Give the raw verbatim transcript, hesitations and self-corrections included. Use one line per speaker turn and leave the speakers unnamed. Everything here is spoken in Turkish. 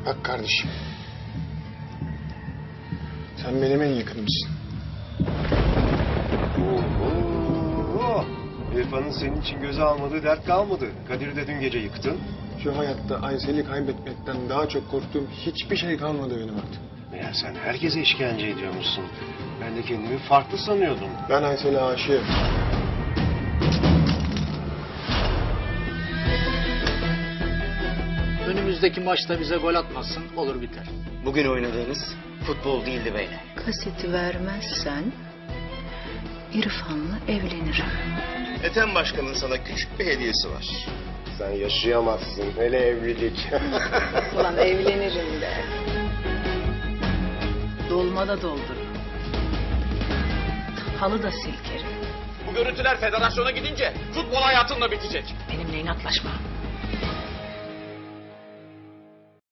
Bak kardeşim. Sen benim en yakınımsın.
Oo, İrfan'ın senin için göze almadığı dert kalmadı. Kadir'i de dün gece yıktın.
Şu hayatta Aysel'i kaybetmekten daha çok korktuğum hiçbir şey kalmadı benim artık.
Meğer sen herkese işkence ediyormuşsun. Ben de kendimi farklı sanıyordum.
Ben Aysel'e aşığım.
Önümüzdeki maçta bize gol atmasın, olur biter.
Bugün oynadığınız futbol değildi beyler.
Kaseti vermezsen İrfan'la evlenirim.
Ethem Başkan'ın sana küçük bir hediyesi var.
Sen yaşayamazsın. Hele evlilik.
Ulan evlenirim de. Dolmada doldururum. Halı da silkerim.
Bu görüntüler federasyona gidince futbol hayatınla bitecek.
Benimle inatlaşma.